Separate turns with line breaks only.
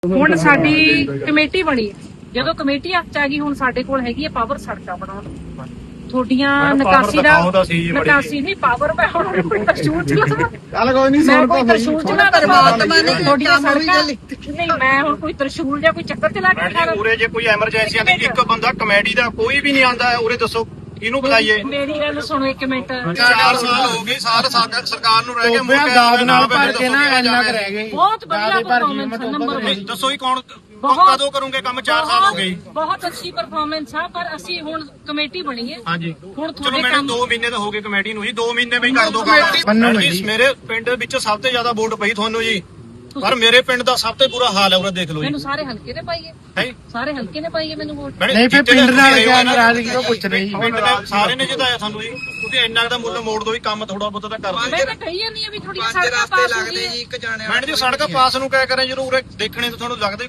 ਹੁਣ ਸਾਡੀ ਕਮੇਟੀ ਬਣੀ ਹੈ। ਜਦੋਂ ਕਮੇਟੀ ਹੱਥ ਚ ਆ ਗਈ ਹੁਣ ਸਾਡੇ ਕੋਲ ਹੈਗੀ ਹੈ ਪਾਵਰ ਸੜਕਾਂ ਬਣਾਉਣ ਤੁਹਾਡੀਆਂ ਨਿਕਾਸੀ ਨਹੀਂ ਪਾਵਰ ਮੈਂ ਹੁਣ ਕੋਈ ਤਰਸ਼ੂਲ ਚਲਾਵਾਂ
ਚੱਲ ਕੋਈ ਨਹੀਂ
ਮੈਂ ਕੋਈ ਤਰਸ਼ੂਲ ਚਲਾ ਪਰਮਾਤਮਾ ਨੇ ਤੁਹਾਡੀਆਂ ਸੜਕਾਂ ਨਹੀਂ ਮੈਂ ਹੁਣ ਕੋਈ ਤਰਸ਼ੂਲ ਜਾਂ ਕੋਈ ਚੱਕਰ ਚਲਾ ਕੇ ਖਾ
ਉਰੇ ਜੇ ਕੋਈ ਐਮਰਜੈਂਸੀ ਆਂਦੀ ਇੱਕ ਬੰਦਾ ਕਮੇਟੀ ਦਾ ਕੋਈ ਵੀ ਨਹੀਂ ਆਂਦਾ ਉਰੇ ਦੱਸੋ ਇਹਨੂੰ ਬੁਲਾਈਏ।
ਮੇਰੀ ਗੱਲ ਸੁਣੋ ਇੱਕ ਮਿੰਟ
4 ਸਾਲ ਹੋ ਗਏ ਸਾਰੇ ਸਰਕਾਰ ਨੂੰ ਰਹਿ ਕੇ
ਦਾਦ ਨਾਲ ਭਰ ਕੇ ਨਾ ਇੰਨਾ ਕੁ ਰਹਿ ਗਏ।
ਬਹੁਤ ਵਧੀਆ ਪਰਫਾਰਮੈਂਸ ਨੰਬਰ 1
ਦੱਸੋ ਹੀ ਕੌਣ ਕਦੋਂ ਕਰੋਗੇ ਕੰਮ 4 ਸਾਲ ਹੋ ਗਏ।
ਬਹੁਤ ਅੱਛੀ ਪਰਫਾਰਮੈਂਸ ਆ ਪਰ ਅਸੀਂ ਹੁਣ ਕਮੇਟੀ ਬਣੀ ਹੈ।
ਹਾਂਜੀ
ਹੁਣ
ਚਲੋ
ਤੁਹਾਡੇ
ਮੈਨੂੰ
ਕੰਮ
2 ਮਹੀਨੇ ਤਾਂ ਹੋ ਗਏ ਕਮੇਟੀ ਨੂੰ ਜੀ 2 ਮਹੀਨੇ ਵਿੱਚ ਕਰ ਦੋ ਕੰਮ ਜੀ। ਮੇਰੇ ਪਿੰਡ ਵਿੱਚ ਸਭ ਤੋਂ ਜ਼ਿਆਦਾ ਵੋਟ ਪਈ ਤੁਹਾਨੂੰ ਜੀ ਪਰ ਮੇਰੇ ਪਿੰਡ ਦਾ ਸਭ ਤੋਂ ਬੁਰਾ ਹਾਲ ਹੈ ਉਰੇ ਦੇਖ ਲਓ ਜੀ।
ਮੈਨੂੰ ਸਾਰੇ ਹਲਕੇ ਨੇ ਪਾਈਏ ਸਾਰੇ ਹਲਕੇ ਨੇ ਪਾਈਏ ਮੈਨੂੰ ਵੋਟ
ਨਹੀਂ ਫਿਰ ਪਿੰਡ ਨਾਲ ਕਿਆ ਨਾਰਾਜ਼ਗੀ ਉਹ ਪੁੱਛ ਰਹੀ
ਪਿੰਡ ਦੇ ਸਾਰੇ ਨੇ ਜਿਤਾਇਆ ਸਾਨੂੰ ਜੀ ਤੁਸੀਂ ਇੰਨਾ ਦਾ ਮੁੱਲ ਮੋੜ ਦੋ ਵੀ ਕੰਮ ਥੋੜਾ ਬਹੁਤਾ ਤਾਂ ਕਰ
ਮੈਂ ਤਾਂ ਕਹੀ ਜਾਂਦੀ ਆ ਵੀ ਥੋੜੀ ਸੜਕਾਂ ਪਾਸ ਹੋ ਗਈ
ਮੈਡਮ ਜੀ ਸੜਕਾਂ ਪਾਸ ਨੂੰ ਕਿਆ ਕਰਾਂ ਜਦੋਂ ਉਰੇ ਦੇਖਣੇ ਤਾਂ ਤੁਹਾਨੂੰ ਲੱਗਦਾ